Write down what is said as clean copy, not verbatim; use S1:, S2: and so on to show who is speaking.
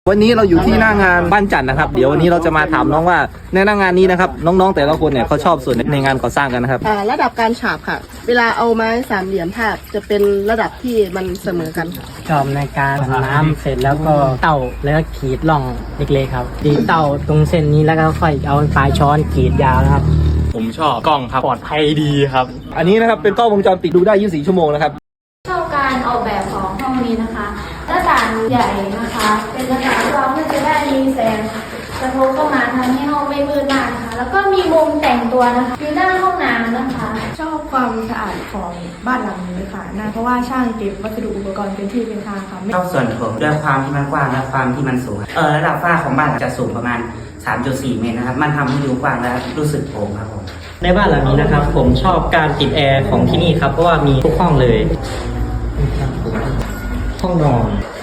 S1: วันนี้เราอยู่ที่หน้างานบ้านจันทร์นะครับเดี๋ยววันนี้เราจะมาถามน้องว่าในหน้างานนี้นะครับน้องๆแต่ละคนเนี่ยเขาชอบส่วนในงานก่อสร้างกันนะครับ
S2: ระดับการฉาบค่ะเวลาเอาไม้สามเหลี่ยมทาบจะเป็นระดับที่มันเสมอกันค่ะ
S3: ชอบในการผันน้ำเสร็จแล้วก็เต่าแล้วก็ขีดร่องเล็กๆครับตีเต่าตรงเส้นนี้แล้วก็ค่อยเอาปลายช้อนขีดยาวนะครับ
S4: ผมชอบกล้องครับปลอดภัยดีครับ
S1: อันนี้นะครับเป็นกล้องวงจรปิดดูได้24 ชั่วโมงนะครับ
S5: ชอบการออกแบบของห้องนี้นะคะหน้าต่างใหญ่นะคะเป็นหน้าต่างที่เราเพื่อจะได้มีแสงกระทบเข้ามาทำให้ห้องไม่มืดมากนะคะแล้วก็มีมุมแต่งตัวนะคะอยู่หน้าห้องน้ำนะคะ
S6: ชอบความสะอาดของบ้านหลังนี้ค่ะนะเพราะว่าช่างเก็บวัสดุอุปกรณ์เป็นที่เป็นทางค่ะ
S7: ชอบส่วนโถงด้วยความที่มันกว้างและความที่มันสูงระดับฝ้าของบ้านจะสูงประมาณ 3.4 เมตรนะครับมันทำให้ดูกว้างและรู้สึกโปร่งครับผม
S3: ในบ้านหลังนี้นะครับผมชอบการติดแอร์ของที่นี่ครับเพราะว่ามีทุกห้องเลยห้องนอน